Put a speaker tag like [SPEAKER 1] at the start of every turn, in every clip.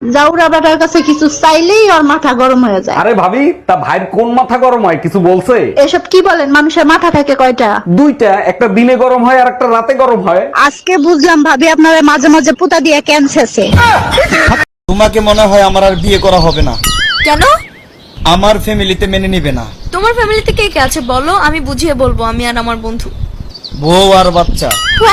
[SPEAKER 1] জাউরা better কাছে কিছু চাইলেই ওর মাথা গরম হয়ে যায়।
[SPEAKER 2] আরে ভাবি, তা ভাইয়ের কোন মাথা গরম হয় কিছু বলছে?
[SPEAKER 1] এসব কি বলেন, মানুষের মাথা থাকে কয়টা?
[SPEAKER 2] দুইটা, একটা দিনে গরম হয় আর একটা রাতে গরম হয়।
[SPEAKER 1] আজকে বুঝলাম ভাবি আপনারা মাঝে মাঝে পুতা দিয়ে ক্যান্সারছে।
[SPEAKER 3] তোমাকে মনে হয় আমার আর বিয়ে করা হবে না।
[SPEAKER 4] কেন?
[SPEAKER 3] আমার ফ্যামিলিতে মেনে নিবে না।
[SPEAKER 4] তোমার ফ্যামিলিতে কে কে আছে বলো, আমি বুঝিয়ে বলবো, আমি আর আমার বন্ধু।
[SPEAKER 3] বউ আর বাচ্চা।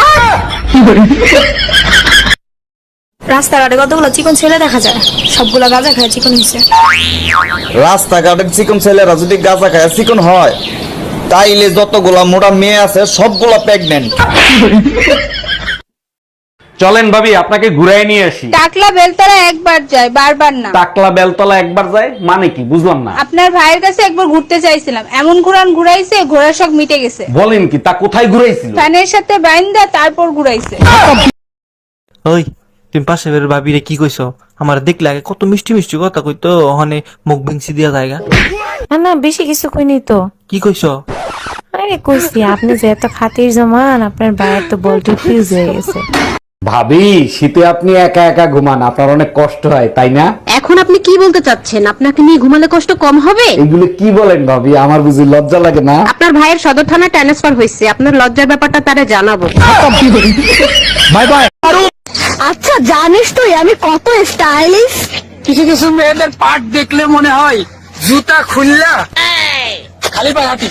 [SPEAKER 4] রাস্তাঘাটে কতগুলো চিকন ছেলে দেখা যায়, সবগুলা গাঁজা খায় চিকন হয়েছে।
[SPEAKER 3] রাস্তাঘাটের চিকন ছেলেরা যদি গাঁজা খায় চিকন হয়, তাইলে যতগুলা মোটা মেয়ে আছে সবগুলা প্রেগনেন্ট।
[SPEAKER 2] চলেন ভাবি, আপনাকে ঘুরাই নিয়ে আসি।
[SPEAKER 5] টাকলা বেলতলা একবার যায়, বারবার না।
[SPEAKER 2] টাকলা বেলতলা একবার যায় মানে কি বুঝলাম না।
[SPEAKER 5] আপনার ভাইয়ের কাছে একবার ঘুরতে চাইছিলাম, এমন ঘুরাইছে, ঘোড়ার শখ মিটে গেছে।
[SPEAKER 2] বলেন কি, তা কোথায় ঘুরাইছিল?
[SPEAKER 5] ফ্যানের সাথে বাইন্দা তারপর ঘুরাইছে।
[SPEAKER 6] ওই তুমি পাশে বের ভাবিরে কি কইছো? আমার দেখলে আগে কত মিষ্টি মিষ্টি কথা কইতো, ওখানে মুখ ভেঙছি দিয়া জায়গা।
[SPEAKER 7] না না, বেশি কিছু কইনি তো।
[SPEAKER 6] কি কইছো?
[SPEAKER 7] আরে কইছি আপনি যে এত খাতির জমান, আপনার বাইরের তো বলটি ফিউজ হয়ে গেছে।
[SPEAKER 2] ভাবি, শীতে আপনি একা একা ঘুমান, আপনার অনেক কষ্ট হয় তাই না?
[SPEAKER 8] এখন আপনি কি বলতে চাচ্ছেন? আপনাকে নিয়ে ঘুমালে কষ্ট কম হবে?
[SPEAKER 2] এগুলো কি বলেন ভাবি, আমার বুঝি লজ্জা লাগে না?
[SPEAKER 8] আপনার ভাইয়ের সদর থানায় ট্রান্সফার হয়েছে, আপনার লজ্জার ব্যাপারটা তারে জানাবো।
[SPEAKER 2] Bye bye.
[SPEAKER 8] আচ্ছা জানিস তুই আমি কত স্টাইলিশ?
[SPEAKER 9] কিছু কিছু মেয়েদের পাট দেখলে মনে হয় জুতা খুললা খালি পায়ে হাঁটি।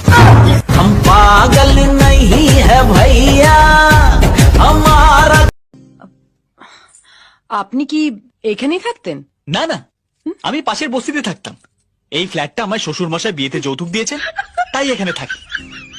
[SPEAKER 6] পাগল नहीं है भैया हमारा।
[SPEAKER 10] আপনি কি এখানেই থাকতেন?
[SPEAKER 3] না না, আমি পাশের বস্তিতে থাকতাম। এই ফ্ল্যাটটা আমার শ্বশুর মশাই বিয়েতে যৌতুক দিয়েছেন, তাই এখানে থাকি।